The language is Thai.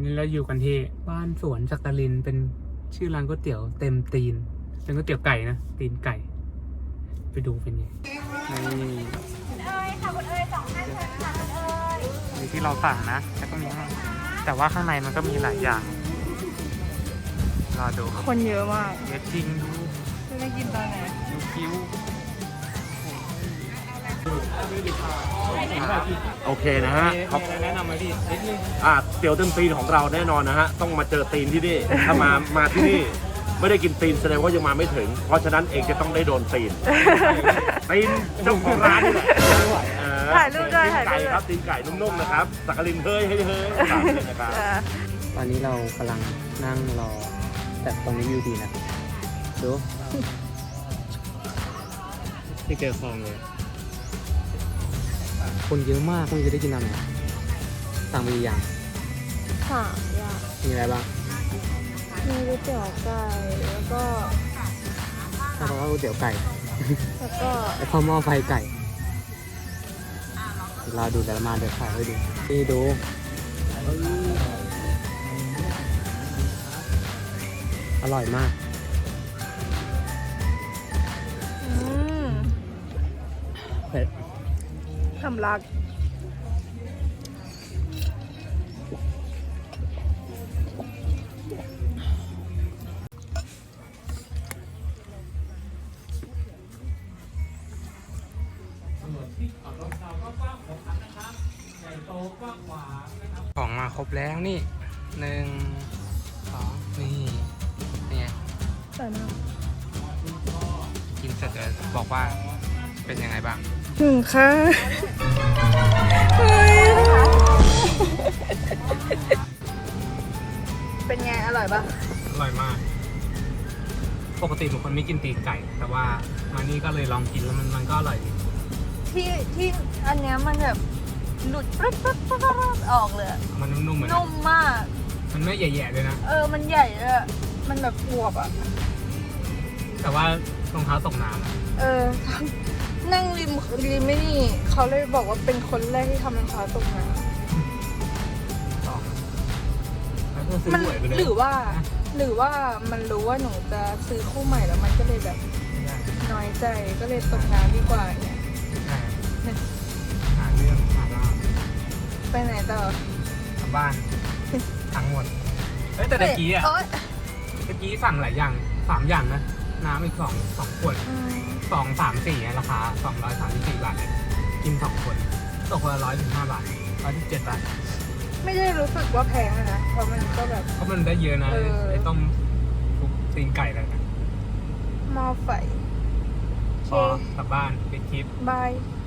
นี่เราอยู่กันที่บ้านสวนจักรินเป็นชื่อร้านก๋วยเตี๋ยวเต็มตีนเป็นก๋วยเตี๋ยวไก่นะตีนไก่ไปดูเป็นไงนี่คุณเอ๋ยค่ะคุณเอ๋ย2 ท่านเชิญค่ะคุณเอ๋ยนี่ที่เราสั่งนะแล้วก็มีให้แต่ว่าข้างในมันก็มีหลายอย่างรอดูคนเยอะมากเยอะจริงดูจะได้กินตอนไหนดูคิ้วโอเคนะฮะมีอะไรแนะนำไหมพี่นิดนึงเตี๋ยวเต็มตีนของเราแน่นอนนะฮะ ต้องมาเจอตีนที่นี่ ถ้ามาที่นี่ไม่ได้กินตีนแสดงว่ายังมาไม่ถึง เพราะฉะนั้นเองจะต้องได้โดนตีน ตีนเจ้าของร้านนี่แหละถ่ายรูปด้วยถ่ายรูปไก่ครับตีนไก่นุ่มๆนะครับ สักกลินเฮ้ยนะครับตอนนี้เรากำลังนั่งรอแต่ตรงนี้วิวดีนะดูที่เจอคลองเลยคนเยอะมากคงจะได้กินอะไรสั่งไปอย่าง 3 อย่างมีอะไรบ้างมีก๋วยเตี๋ยวไก่แล้วก็ถ้าเราว่าก๋วยเตี๋ยวไก่แล้วก็แล้วก็หม้อไฟไก่เดี๋ยวเราดูแล้วมาเดี๋ยวถ่ายให้ดูนี่ดูอร่อยมาก เผ็ดสำลักของมาครบแล้วนี่1 2นี่ไงสวยมากกินเสร็จเลยบอกว่าเป็นยังไงบ้างถึงค่ะเฮ้ยเป็นไงอร่อยปะอร่อยมาก ปกติบางคนไม่กินตีนไก่ แต่ว่ามานี่ก็เลยลองกินแล้วมันก็อร่อยดีที่อันเนี้ยมันแบบหลุดปั๊บปั๊บปั๊บปั๊บออกเลยอะมันนุ่มๆเหมือนนุ่มมากมันไม่แย่ๆเลยนะมันใหญ่เลยอะมันแบบอวบอ่ะแต่ว่ารองเท้าตกน้ำอะนั่งริมไม่นี่เขาเลยบอกว่าเป็นคนแรกที่ทำรองเท้าตกมาต่อแล้วก็ซื้อมันหวยไปเลยหรือว่ามันรู้ว่าหนูจะซื้อคู่ใหม่แล้วมันก็เลยแบบไม่ได้น้อยใจก็เลยตกน้ำดีกว่าเนี่ยใช่หาเรื่องหาราวไปไหนต่อกลับบ้านทั้งหมดเฮ้ยแต่ตะกี้อ่ะโอ๊ยตะกี้สั่งหลายอย่าง3 อย่างนะน้ำอีก2 ขวด 2 3 4ราคา234 บาทเลยกิน2 คนตกคนละ115 บาท117 บาทไม่ได้รู้สึกว่าแพงอะนะเพราะมันก็แบบเพราะมันได้เยอะนะไอ้ต้มทุกตีนไก่อะไรนะหม้อไฟพอกลับบ้านปิดคลิปบาย